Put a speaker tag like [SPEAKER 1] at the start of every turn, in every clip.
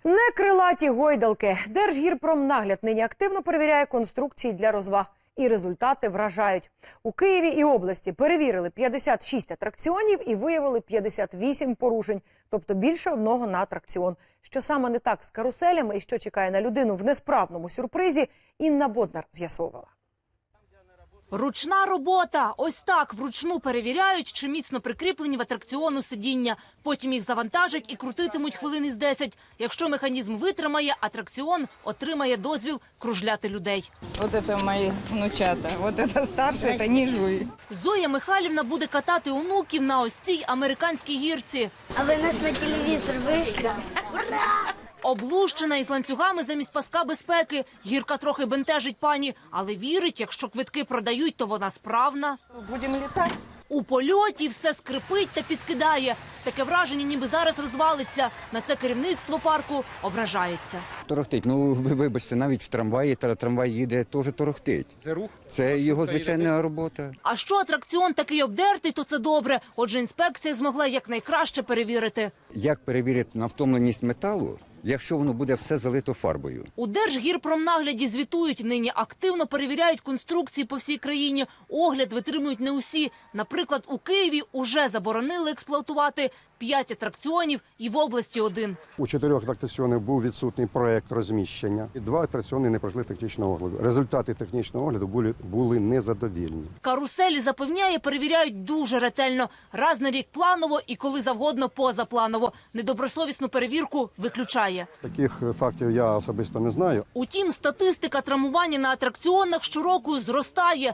[SPEAKER 1] Не крилаті гойдалки. Держгірпромнагляд нині активно перевіряє конструкції для розваг. І результати вражають. У Києві і області перевірили 56 атракціонів і виявили 58 порушень. Тобто більше одного на атракціон. Що саме не так з каруселями і що чекає на людину в несправному сюрпризі, Інна Боднар з'ясовувала.
[SPEAKER 2] Ручна робота. Ось так вручну перевіряють, чи міцно прикріплені в атракціону сидіння. Потім їх завантажать і крутитимуть хвилин із 10. Якщо механізм витримає, атракціон отримає дозвіл кружляти людей.
[SPEAKER 3] Вот это мои внучата. Вот это старше, это ніжує.
[SPEAKER 2] Зоя Михайлівна буде катати онуків на ось цій американській гірці.
[SPEAKER 4] А ви нас на телевізор вийшли?
[SPEAKER 2] Облущена із ланцюгами замість паска безпеки. Гірка трохи бентежить пані, але вірить, якщо квитки продають, то вона справна.
[SPEAKER 3] Будемо літати.
[SPEAKER 2] У польоті все скрипить та підкидає. Таке враження, ніби зараз розвалиться. На це керівництво парку ображається.
[SPEAKER 5] Торохтить. Ну, ви вибачте, навіть в трамваї, трамвай їде, теж торохтить. Це рух? Це його звичайна робота.
[SPEAKER 2] А що атракціон такий обдертий, то це добре. Отже, інспекція змогла якнайкраще перевірити.
[SPEAKER 5] Як перевірити на втомленість металу, якщо воно буде все залито фарбою?
[SPEAKER 2] У Держгірпромнагляді звітують, нині активно перевіряють конструкції по всій країні. Огляд витримують не усі. Наприклад, у Києві уже заборонили експлуатувати 5 атракціонів і в області 1.
[SPEAKER 6] У 4 атракціонів був відсутній проект розміщення. І 2 атракціони не пройшли технічного огляду. Результати технічного огляду були незадовільні.
[SPEAKER 2] Каруселі, запевняє, перевіряють дуже ретельно. Раз на рік планово і коли завгодно позапланово. Недобросовісну перевірку виключає.
[SPEAKER 6] Таких фактів я особисто не знаю.
[SPEAKER 2] Утім, статистика травмування на атракціонах щороку зростає.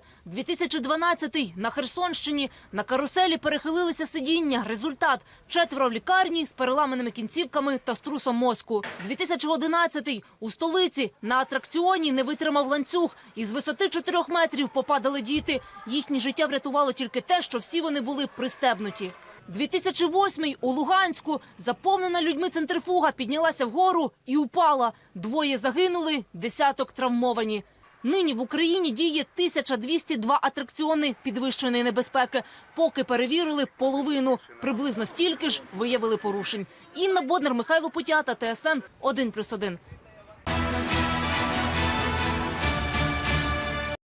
[SPEAKER 2] 2012-й на Херсонщині на каруселі перехилилися сидіння. Результат – 4 в лікарні з переламаними кінцівками та струсом мозку. 2011-й у столиці на атракціоні не витримав ланцюг. Із висоти 4 метрів попадали діти. Їхнє життя врятувало тільки те, що всі вони були пристебнуті. 2008-й у Луганську заповнена людьми центрифуга піднялася вгору і упала. 2 загинули, десяток травмовані. Нині в Україні діє 1202 атракціони підвищеної небезпеки. Поки перевірили половину. Приблизно стільки ж виявили порушень. Інна Боднар, Михайло Путята, ТСН 1+1.